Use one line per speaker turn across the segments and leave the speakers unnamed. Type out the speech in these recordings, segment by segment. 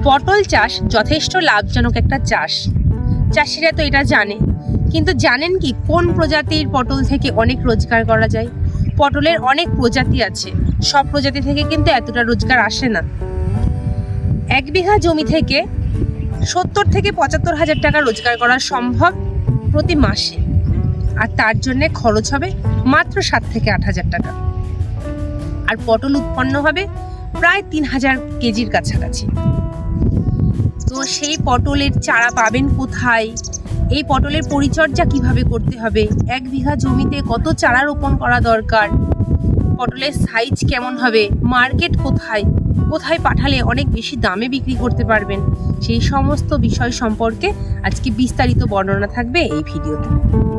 পটল চাষ যথেষ্ট লাভজনক একটা চাষ, চাষিরা তো এটা জানে। কিন্তু জানেন কি কোন প্রজাতির পটল থেকে অনেক রোজগার করা যায়? পটলের অনেক প্রজাতি আছে, সব প্রজাতি থেকে কিন্তু এতটা রোজগার আসে না। 1 বিঘা জমি থেকে 70 থেকে 75 হাজার টাকা রোজগার করা সম্ভব প্রতি মাসে, আর তার জন্য খরচ হবে মাত্র 7 থেকে 8 হাজার টাকা। আর পটল উৎপন্ন হবে প্রায় 3000 কেজির কাছাকাছি। তো সেই পটলের চারা পাবেন কোথায়? এই পটলের পরিচর্যা কিভাবে করতে হবে? 1 বিঘা জমিতে কত চারা রোপণ করা দরকার? পটলের সাইজ কেমন হবে? মার্কেট কোথায়? কোথায় পাঠালে অনেক বেশি দামে বিক্রি করতে পারবেন? সেই সমস্ত বিষয় সম্পর্কে আজকে বিস্তারিত বর্ণনা থাকবে এই ভিডিওতে।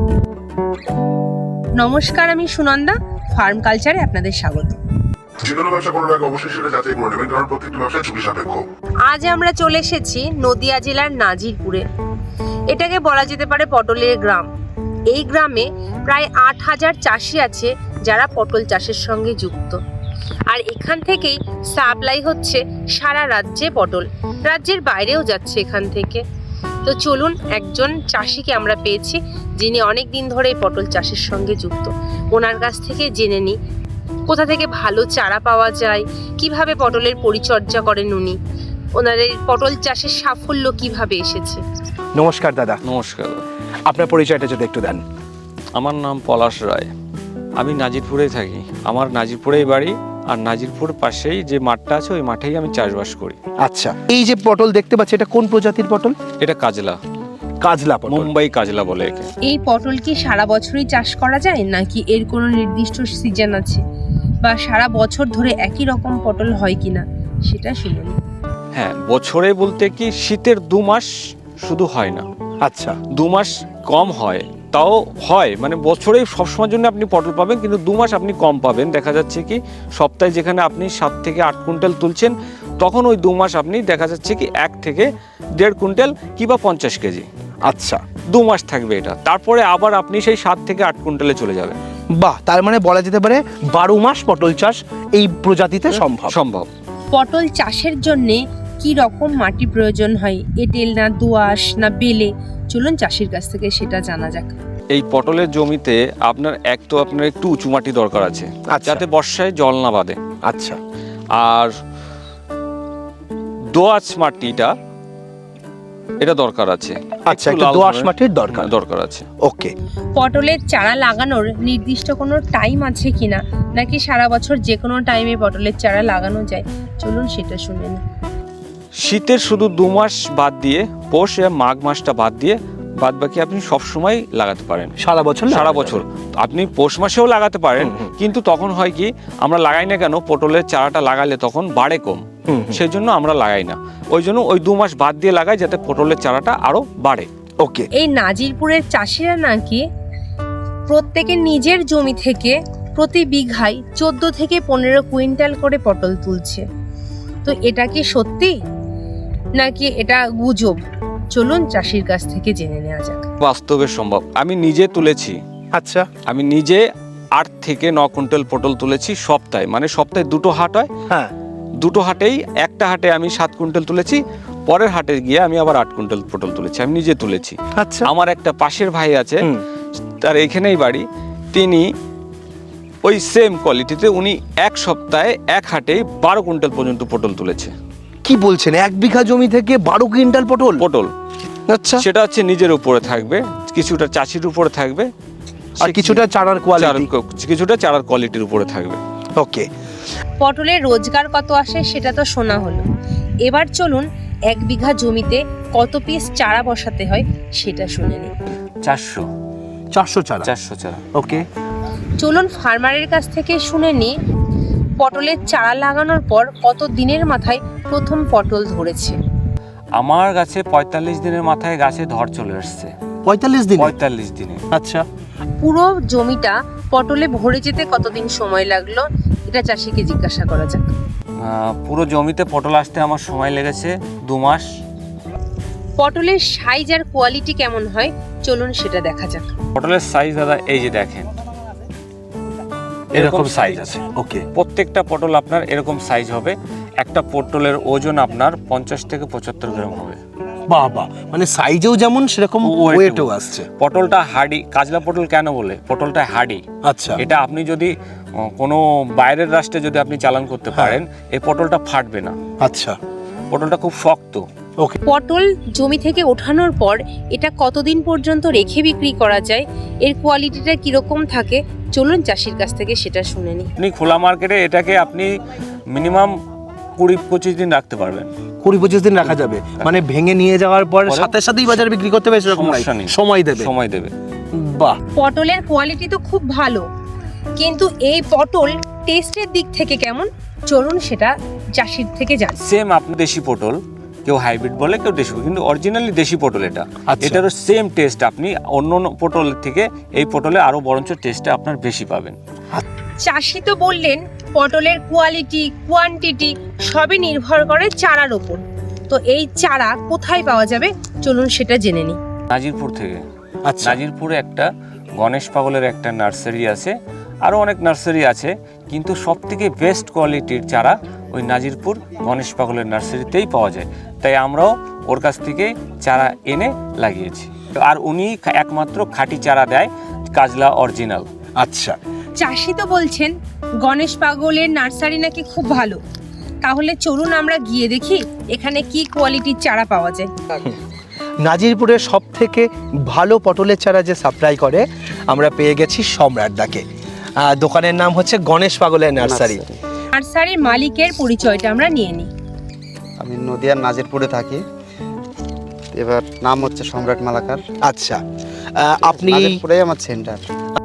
নমস্কার, আমি সুনন্দা, ফার্ম কালচারে আপনাদের স্বাগত।
যেকোনো ব্যবসা করার আগে অবশ্যই সেটা যাচাই করে নেবেন, কারণ প্রত্যেকটা ব্যবসা ঝুঁকি সাপেক্ষ।
আজ আমরা চলে এসেছি নদিয়া জেলার নাজিরপুরে। এটাকে বলা যেতে পারে পটলের গ্রাম। এই গ্রামে প্রায় 8000 চাষি আছে যারা পটল চাষের সঙ্গে যুক্ত। আর এখান থেকেই সাপ্লাই হচ্ছে সারা রাজ্যে পটল, রাজ্যের বাইরেও যাচ্ছে এখান থেকে। তো চলুন, একজন চাষিকে আমরা পেয়েছি যিনি অনেক দিন ধরে এই পটল চাষের সঙ্গে যুক্ত। ওনার কাছ থেকে জেনে নিই কোথা থেকে ভালো চারা পাওয়া যায়, কিভাবে পটলের পরিচর্যা করেন উনি, ওনার এই পটল চাষের সাফল্য কিভাবে এসেছে।
নমস্কার দাদা।
নমস্কার।
আপনার পরিচয়টা যদি একটু দেন।
আমার নাম পলাশ রায়, আমি নাজিরপুরেই থাকি। আমার নাজিরপুরেই বাড়ি, আর নাজিরপুর পাশেই যে মাঠটা আছে ওই মাঠেই আমি চাষবাস করি।
আচ্ছা, এই যে পটল দেখতে পাচ্ছি, এটা কোন প্রজাতির পটল?
এটা কাজলা,
কাজলা পটল।
মুম্বাই কাজলা বলে একে।
এই পটল কি সারা বছরই চাষ করা যায়, নাকি এর কোনো নির্দিষ্ট সিজন আছে, বা সারা বছর ধরে একই রকম পটল হয় কিনা সেটা শুনুন।
হ্যাঁ, বছরে বলতে কি শীতের 2 মাস শুধু হয় না,
আচ্ছা,
2 মাস কম হয়, তাও হয়, মানে বছরেই সবসময়ের জন্য আপনি পটল পাবেন, কিন্তু 2 মাস আপনি কম পাবেন। দেখা যাচ্ছে কি সপ্তাহে যেখানে আপনি 7 থেকে 8 কুইন্টাল তুলছেন, তখন ওই 2 মাস আপনি দেখা যাচ্ছে কি 1 থেকে 1.5 কুইন্টাল কিংবা 50 কেজি।
আচ্ছা,
2 মাস থাকবে এটা, তারপরে আবার আপনি সেই 7 থেকে 8 কুইন্টালে চলে যাবেন।
বাহ, তার মানে বলা যেতে পারে 12 মাস পটল চাষ এই প্রজাতিতে সম্ভব।
পটল চাষের জন্য কি রকম মাটি প্রয়োজন হয়? এঁটেল না দোআঁশ না বেলে? চলুন চাষির কাছ থেকে সেটা জানা যাক।
এই পটলের জমিতে আপনার একটু উঁচু মাটি দরকার আছে,
আচ্ছা।
যাতে বর্ষায় জল না বাঁধে।
আচ্ছা,
আর দোআঁশ মাটিটা এটা দরকার আছে।
আচ্ছা, একটু দোআঁশ মাটির দরকার
আছে।
ওকে।
পটলের চারা লাগানোর নির্দিষ্ট কোনো টাইম আছে কিনা, নাকি সারা বছর যে কোনো টাইমে পটলের চারা লাগানো যায়? চলুন সেটা শুনে নিই।
শীতের শুধু 2 মাস বাদ দিয়ে, পৌষ আর মাঘ মাসটা বাদ দিয়ে, বাদ বাকি আপনি সবসময় লাগাতে পারেন।
সারা বছর
আপনি পৌষ মাসেও লাগাতে পারেন, কিন্তু তখন হয় কি আমরা লাগাই না কেন, পটলের চারাটা লাগালে তখন বাড়ে কম, সেই জন্য আমরা লাগাই না। ওই জন্য ওই 2 মাস বাদ দিয়ে লাগাই, যাতে পটলের চারাটা আরো বাড়ে।
ওকে।
এই নাজিরপুরের চাষিরা নাকি প্রত্যেকে নিজের জমি থেকে প্রতি বিঘায় 14 থেকে 15 কুইন্টাল করে পটল তুলছে। তো এটা কি সত্যি নাকি এটা গুজব? চলুন চাষির কাছ থেকে জেনে নেওয়া যাক।
বাস্তবে সম্ভব। আমি নিজে তুলেছি।
আচ্ছা,
আমি নিজে 8 থেকে 9 কুইন্টাল পটল তুলেছি সপ্তাহে, মানে সপ্তাহে 2টো হাট হয়।
হ্যাঁ,
2টো হাটেই একটা হাটে আমি 7 কুইন্টাল তুলেছি, পরের হাটে গিয়ে আমি আবার 8 কুইন্টাল পটল তুলেছি। আমি নিজে তুলেছি।
আচ্ছা।
আমার একটা পাশের ভাই আছে, তার এখানেই বাড়ি, তিনি ওই সেম কোয়ালিটিতে উনি 1 সপ্তাহে 1 হাটেই 12 কুইন্টাল পর্যন্ত পটল তুলেছে।
কি বলছেন? 1 বিঘা জমি থেকে 12 কুইন্টাল পটল? আচ্ছা,
সেটা হচ্ছে নিজের উপরে থাকবে, কিছুটা চাষির উপরে থাকবে,
আর কিছুটা চারার
কোয়ালিটির উপরে থাকবে।
ওকে।
পটলের রোজগার কত আসে সেটা তো শোনা হলো। এবার চলুন 1 বিঘা জমিতে কত পিস চারা বসাতে হয় সেটা শুনে নিই।
400 চারা।
400 চারা।
ওকে।
চলুন ফার্মারের কাছ থেকে শুনে নিই পটলের চারা লাগানোর পর কত দিনের মাথায় প্রথম পটল ধরেছে।
আমার গাছে 45 দিনের মাথায় গাছে ধর চলে আসছে।
45
দিনে।
আচ্ছা।
পুরো জমিটা পটলে ভরে যেতে কতদিন সময় লাগলো এটা চাষিকে জিজ্ঞাসা করা যাক।
পুরো জমিতে পটল আসতে আমার সময় লেগেছে 2 মাস।
পটলের সাইজ আর কোয়ালিটি কেমন হয় চলুন সেটা দেখা যাক।
পটলের সাইজ দাদা এই যে দেখেন, এরকম সাইজ আছে।
ওকে।
প্রত্যেকটা পটল আপনার এরকম সাইজ হবে। একটা পটলের ওজন আপনার 50 থেকে 75 গ্রাম হবে।
বাবা, মানে সাইজেও যেমন সেরকম ওয়েটও আসছে।
পটলটা হার্ডি, কাজলা পটল কেন বলে? পটলটা হার্ডি।
আচ্ছা,
এটা আপনি যদি কোনো বাইরের রাষ্ট্রে যদি আপনি চালান করতে পারেন, এই পটলটা ফাটবে না।
আচ্ছা,
পটলটা খুব শক্ত।
ওকে।
পটল জমি থেকে ওঠানোর পর এটা কতদিন পর্যন্ত রেখে বিক্রি করা যায়, এর কোয়ালিটিটা কিরকম থাকে, চলুন চাষির কাছ থেকে সেটা শুনে নিই।
আপনি খোলা মার্কেটে এটাকে আপনি মিনিমাম 20-25 দিন রাখতে পারবেন।
20-25 দিন রাখা যাবে, মানে ভেঙে নিয়ে যাওয়ার পর সাথে সাথেই বাজারে বিক্রি করতে হবে সেরকম নাই,
সমস্যা নেই।
সময় দেবে।
সময় দেবে।
বাহ,
পটলের কোয়ালিটি তো খুব ভালো, কিন্তু এই পটল টেস্টের দিক থেকে কেমন, চলুন সেটা চাষির থেকে জানি।
সেম আপনি দেশি পটল, কেউ হাইব্রিড বলে কেউ দেশি, কিন্তু অরিজিনালি দেশি পটল এটা।
আচ্ছা।
এটারও সেম টেস্ট, আপনি অন্য অন্য পটলের থেকে এই পটলে আরো বরঞ্চ টেস্টটা আপনার বেশি পাবেন।
চাষি তো বললেন পটলের কোয়ালিটি কোয়ান্টিটি সবই নির্ভর করে চারার ওপর, তো এই চারা কোথায় পাওয়া যাবে চলুন সেটা জেনে নিই।
নাজিরপুর থেকে।
আচ্ছা,
নাজিরপুরে একটা গণেশ পাগলের একটা নার্সারি আছে, আরও অনেক নার্সারি আছে, কিন্তু সব থেকে বেস্ট কোয়ালিটির চারা ওই নাজিরপুর গণেশ পাগলের নার্সারিতেই পাওয়া যায়। তাই আমরাও ওর কাছ থেকে চারা এনে লাগিয়েছি, আর উনি একমাত্র খাঁটি চারা দেয়, কাজলা অরিজিনাল।
আচ্ছা।
চাষি তো বলছেন গণেশ পাগলের নার্সারি নাকি খুব ভালো, তাহলে চলুন আমরা গিয়ে দেখি এখানে কি কোয়ালিটির চারা পাওয়া যায়।
নাজিরপুরের সব থেকে ভালো পটলের চারা যে সাপ্লাই করে আমরা পেয়ে গেছি সম্রাটদাকে। দোকানের নাম হচ্ছে গণেশ পাগলের নার্সারি।
নার্সারির মালিকের পরিচয়টা আমরা নিয়ে নিই।
আমি নদিয়ার নাজিরপুরে থাকি, এবার নাম হচ্ছে সম্রাট মালাকার।
আচ্ছা, আপনি
নাজিরপুরে আমার সেন্টার।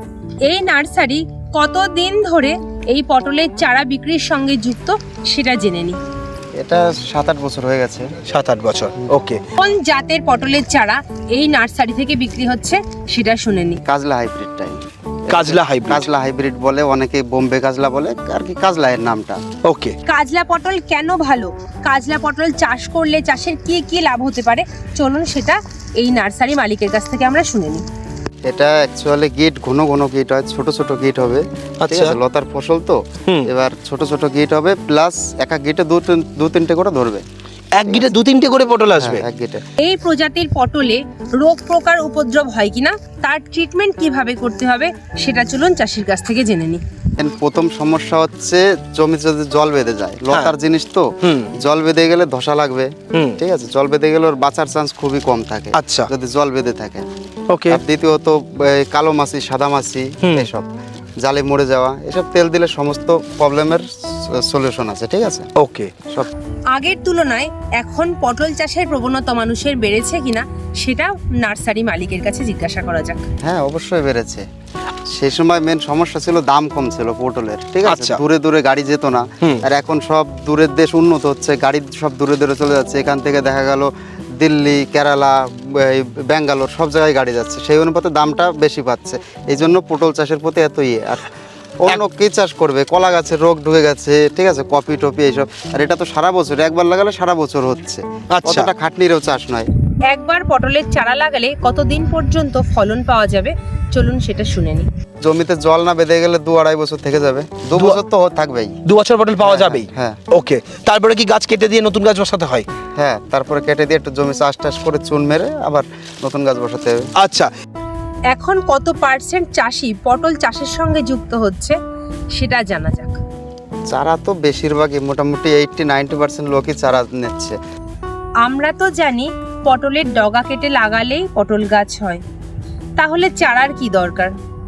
এই নার্সারি কতদিন ধরে এই পটলের চারা বিক্রির সঙ্গে যুক্ত সেটা জেনে নিই।
এটা 7-8 বছর হয়ে গেছে।
7-8 বছর। ওকে।
কোন জাতের পটলের চারা এই নার্সারি থেকে বিক্রি হচ্ছে সেটা শুনে নিই।
কাজলা হাইব্রিডটাই।
কাজলা হাইব্রিড।
কাজলা হাইব্রিড বলে, অনেকে বোম্বে কাজলা বলে, আর কি কাজলা এর নামটা।
ওকে।
কাজলা পটল কেন ভালো, কাজলা পটল চাষ করলে চাষের কি কি লাভ হতে পারে, চলুন সেটা এই নার্সারি মালিকের কাছ থেকে আমরা শুনে নিই।
এটা অ্যাকচুয়ালি গিট ঘন ঘন গিট হয়, ছোট ছোট গিট হবে। ঠিক
আচ্ছা।
আছে, লতার ফসল তো, এবার ছোট ছোট গিট হবে, প্লাস এক এক গিটে 2-3টে করে ধরবে।
এক গিটে 2-3টে করে পটল আসবে?
হ্যাঁ, এক গিটে।
এই প্রজাতির পটলে রোগ প্রকার উপদ্রব হয় কিনা, তার ট্রিটমেন্ট কিভাবে করতে হবে সেটা চলুন চাষির কাছ থেকে জেনে নিই।
প্রথম সমস্যা হচ্ছে জমি যদি জল বেঁধে যায়, লতার জিনিস তো, জল বেঁধে গেলে ধসা লাগবে। ঠিক আছে, জল বেঁধে গেলে ওর বাঁচার চান্স খুবই কম থাকে।
আচ্ছা।
যদি জল বেঁধে থাকে।
ওকে।
আর দ্বিতীয়ত কালো মাছি, সাদা মাছি, এসব জালে মরে যাওয়া, এসব তেল দিলে সমস্ত প্রবলেমের সলিউশন আছে। ঠিক আছে,
ওকে।
সব
আগের তুলনায় এখন পটল চাষের প্রবণতা মানুষের বেড়েছে কিনা সেটা নার্সারি মালিকের কাছে জিজ্ঞাসা করা যাক।
হ্যাঁ, অবশ্যই বেড়েছে। সেই সময় মেন সমস্যা ছিল দাম কম ছিল পটলের। ঠিক আছে,
আচ্ছা।
দূরে দূরে গাড়ি যেত না। আর এখন সব দূরের দেশ উন্নত হচ্ছে, গাড়ি সব দূরে দূরে চলে যাচ্ছে। এখান থেকে দেখা গেল দিল্লি, কেরালা, ব্যাঙ্গালোর সব জায়গায় গাড়ি যাচ্ছে, সেই অনুপাতে দামটা বেশি পাচ্ছে। এই জন্য পটল চাষের প্রতি এত আর অন্য কি চাষ করবে, কলা গাছের রোগ ঢুকে গেছে। ঠিক আছে, কপি টপি এইসব, আর এটা তো সারা বছর, একবার লাগালে সারা বছর হচ্ছে।
আচ্ছা।
অতটা খাটনিরও চাষ নয়।
একবার পটলের চারা লাগালে কতদিন পর্যন্ত ফলন পাওয়া যাবে চলুন সেটা শুনে নিই।
জমিতে জল না বেঁধে গেলে 2-2.5 বছর থেকে যাবে। 2 বছর তো থাকবেই।
2 বছর পটল পাওয়া যাবেই?
হ্যাঁ।
ওকে। তারপরে কি গাছ কেটে দিয়ে নতুন গাছ বসাতে হয়?
হ্যাঁ, তারপরে কেটে দিয়ে একটু জমি চাষ টাস করে চুন মেরে আবার নতুন গাছ বসাতে হবে।
আচ্ছা।
এখন কত পার্সেন্ট চাষি পটল চাষের সঙ্গে যুক্ত হচ্ছে সেটা জানা যাক।
চারা তো বেশিরভাগই মোটামুটি 80-90% লোকই চারা নিচ্ছে।
আমরা তো জানি পটলের ডগা কেটে লাগালেই পটল গাছ হয়, তাহলে চারার কি দরকার,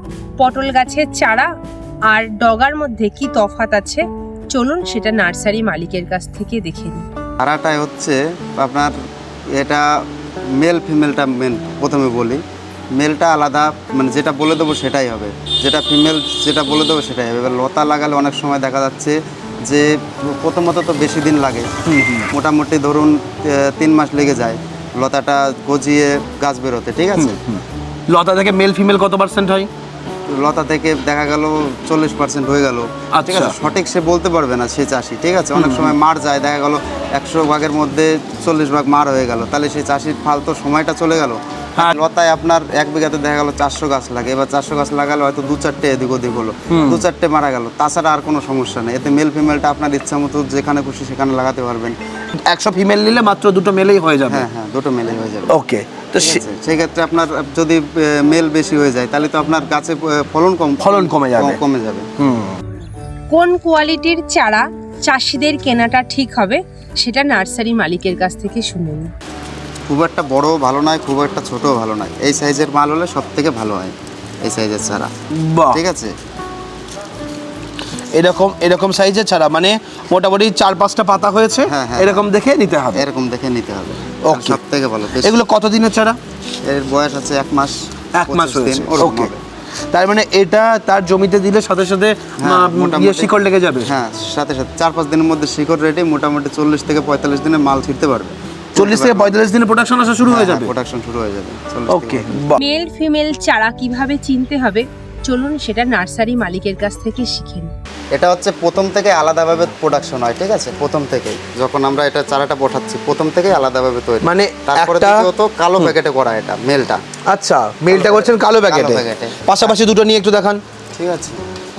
পটল গাছের চারা আর ডগার মধ্যে কি তফাৎ আছে চলুন সেটা নার্সারি মালিকের কাছ থেকে দেখে নিই।
চারাটাই হচ্ছে আপনার, এটা মেল ফিমেলটা মেন প্রথমে বলি। মেলটা আলাদা, মানে যেটা বলে দেবো সেটাই হবে, যেটা ফিমেল যেটা বলে দেবো সেটাই হবে। এবার লতা লাগালে অনেক সময় দেখা যাচ্ছে যে প্রথমত তো বেশি দিন লাগে, মোটামুটি ধরুন 3 মাস লেগে যায় লতাটা গজিয়ে গাছ বেরোতে। ঠিক আছে,
লতা থেকে মেল ফিমেল কত পার্সেন্ট হয়?
লতা থেকে দেখা গেল 40% হয়ে গেল। ঠিক আছে, সঠিক সে বলতে পারবে না সে চাষি। ঠিক আছে, অনেক সময় মার যায়, দেখা গেল 100 ভাগের মধ্যে 40 ভাগ মার হয়ে গেল, তাহলে সেই চাষির ফালতু সময়টা চলে গেল।
হ্যাঁ।
লতায় আপনার 1 বিঘাতে দেখা গেল 400 গাছ লাগে, এবার 400 গাছ লাগালে হয়তো 2-4টে এদিক ওদিক হলো, 2-4টে মারা গেল, তাছাড়া আর কোনো সমস্যা নেই। এতে মেল ফিমেলটা আপনার ইচ্ছা মতো যেখানে খুশি সেখানে লাগাতে পারবেন।
100 ফিমেল নিলে মাত্র 2টো মেলেই হয়ে যাবে।
হ্যাঁ হ্যাঁ, 2টো মেলেই হয়ে যাবে।
ওকে, তো
ঠিক আছে? সেক্ষেত্রে আপনার যদি মেল বেশি হয়ে যায় তাহলে তো আপনার গাছে ফলন
কমে যাবে।
কমে যাবে।
কোন কোয়ালিটির চারা চাষিদের কেনাটা ঠিক হবে সেটা নার্সারি মালিকের কাছ থেকে শুনে নিন।
খুব একটা বড়ও ভালো নয়, খুব একটা ছোটও ভালো নয়, এই সাইজের মাল হলে সব থেকে ভালো হয়, এই সাইজের চারা।
বাহ,
ঠিক আছে?
এরকম সাইজের ছাড়া মানে মোটামুটি 4-5টা পাতা হয়েছে,
হ্যাঁ, হ্যাঁ,
এরকম দেখে নিতে হবে।
এরকম দেখে নিতে হবে,
Okay.
সব থেকে ভালো।
এগুলো কতদিনের চারা?
এর বয়স আছে 1 মাস,
1 মাস
25 দিন,
হয়েছে।
ওরকম
ওকে,
হবে।
তার মানে এটা তার জমিতে দিলে সাথে সাথে
হ্যাঁ, মোটামুটি-
শিকড় লেগে যাবে।
হ্যাঁ, সাথে সাথে 4-5 দিনের মধ্যে শিকড় রেডি, মোটামুটি 40 থেকে 45 দিনে মাল ছিঁড়তে পারবে।
40 থেকে 45 দিনে প্রোডাকশন আসা শুরু হয়ে যাবে।
প্রোডাকশন শুরু হয়ে যাবে। 40
ওকে,
থেকে
বাহ,
মেল ফিমেল চারা কিভাবে চিনতে হবে চলুন সেটা নার্সারি মালিকের কাছ থেকে শিখেন।
এটা হচ্ছে প্রথম থেকে আলাদাভাবে প্রোডাকশন হয়, ঠিক আছে? প্রথম থেকেই যখন আমরা এটা চারাটা বসাচ্ছি প্রথম থেকেই আলাদাভাবে তৈরি,
মানে
তারপরে
একটা-
দ্বিতীয়ত কালো প্যাকেটে করা এটা মেলটা।
আচ্ছা, মেলটা করছেন কালো প্যাকেটে,
প্যাকেটে।
পাশাপাশি দুটো নিয়ে একটু দেখান।
ঠিক আছে,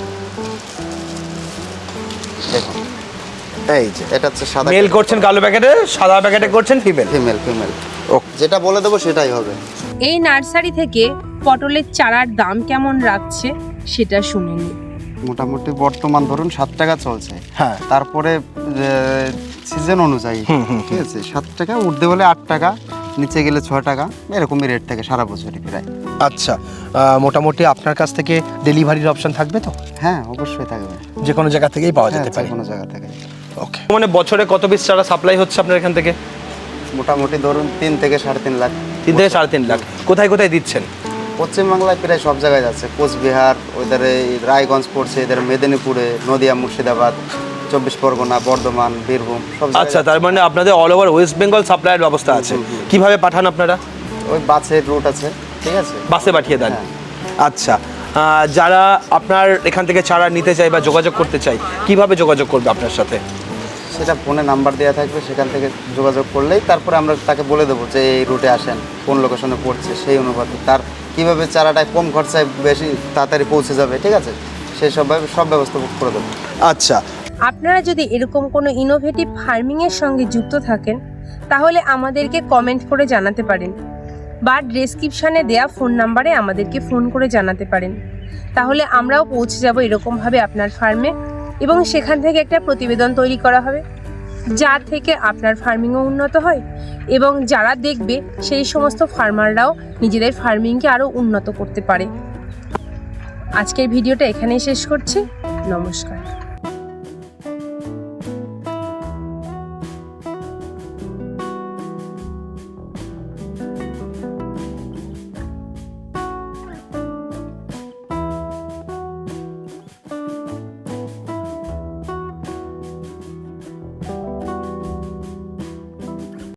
দেখুন
এই যে
এটা হচ্ছে সাদা
মেল করছেন কালো প্যাকেটে, সাদা প্যাকেটে করছেন ফিমেল।
ফিমেল ফিমেল
ওকে,
যেটা বলে দেবো সেটাই হবে।
এই নার্সারি থেকে পটলের চারার দাম কেমন রাখছে সেটা শুনে নিন।
মোটামুটি বর্তমান ধরুন 7 টাকা চলছে।
হ্যাঁ,
তারপরে সিজন অনুযায়ী, ঠিক আছে, 7 টাকা উঠতে বলে 8 টাকা, নিচে গেলে 6 টাকা, এরকমই রেট থাকে সারা বছরই প্রায়।
আচ্ছা, মোটামুটি আপনার কাছ থেকে ডেলিভারির অপশন থাকবে তো?
হ্যাঁ, অবশ্যই থাকবে।
যে কোনো জায়গা থেকেই পাওয়া
হ্যাঁ,
যেতে পারে।
যে কোনো জায়গা থেকে।
ওকে, মানে বছরে কত পিস চারা সাপ্লাই হচ্ছে আপনার এখান থেকে?
মোটামুটি ধরুন 3 থেকে 3.5 লাখ।
3 থেকে 3.5 লাখ। কোথায় কোথায় দিচ্ছেন?
পশ্চিমবাংলায় প্রায় সব জায়গায় যাচ্ছে, কোচবিহার, ওইধারে রায়গঞ্জ পড়ছে, এদের মেদিনীপুরে, নদিয়া, মুর্শিদাবাদ, 24 পরগনা, বর্ধমান, বীরভূম, সব জায়গায়
আচ্ছা, তার মানে আপনাদের অল ওভার ওয়েস্ট বেঙ্গল সাপ্লাইয়ের ব্যবস্থা আছে। কিভাবে পাঠান আপনারা?
ওই বাসের রুট আছে, ঠিক আছে?
বাসে পাঠিয়ে দেন।
হ্যাঁ।
আচ্ছা, যারা আপনার এখান থেকে চারা নিতে চায় বা যোগাযোগ করতে চায়, কিভাবে যোগাযোগ করবে আপনার সাথে?
সেটা ফোনে নাম্বার দেওয়া থাকবে, সেখান থেকে যোগাযোগ করলেই তারপরে আমরা তাকে বলে দেবো যে এই রুটে আসেন, কোন লোকেশনে পড়ছে, সেই অনুপাতে তার কীভাবে চারাটায় কম খরচায় বেশি তাড়াতাড়ি পৌঁছে যাবে, ঠিক আছে, সেই সব ব্যবস্থা করে দেবো।
আচ্ছা,
আপনারা যদি এরকম কোনো ইনোভেটিভ ফার্মিংয়ের সঙ্গে যুক্ত থাকেন তাহলে আমাদেরকে কমেন্ট করে জানাতে পারেন বা ডেসক্রিপশানে দেয়া ফোন নাম্বারে আমাদেরকে ফোন করে জানাতে পারেন। তাহলে আমরাও পৌঁছে যাব এরকমভাবে আপনার ফার্মে এবং সেখান থেকে একটা প্রতিবেদন তৈরি করা হবে যা থেকে আপনার ফার্মিংও উন্নত হয় এবং যারা দেখবে সেই সমস্ত ফার্মাররাও নিজেদের ফার্মিংকে আরও উন্নত করতে পারে। আজকের ভিডিওটা এখানেই শেষ করছি। নমস্কার।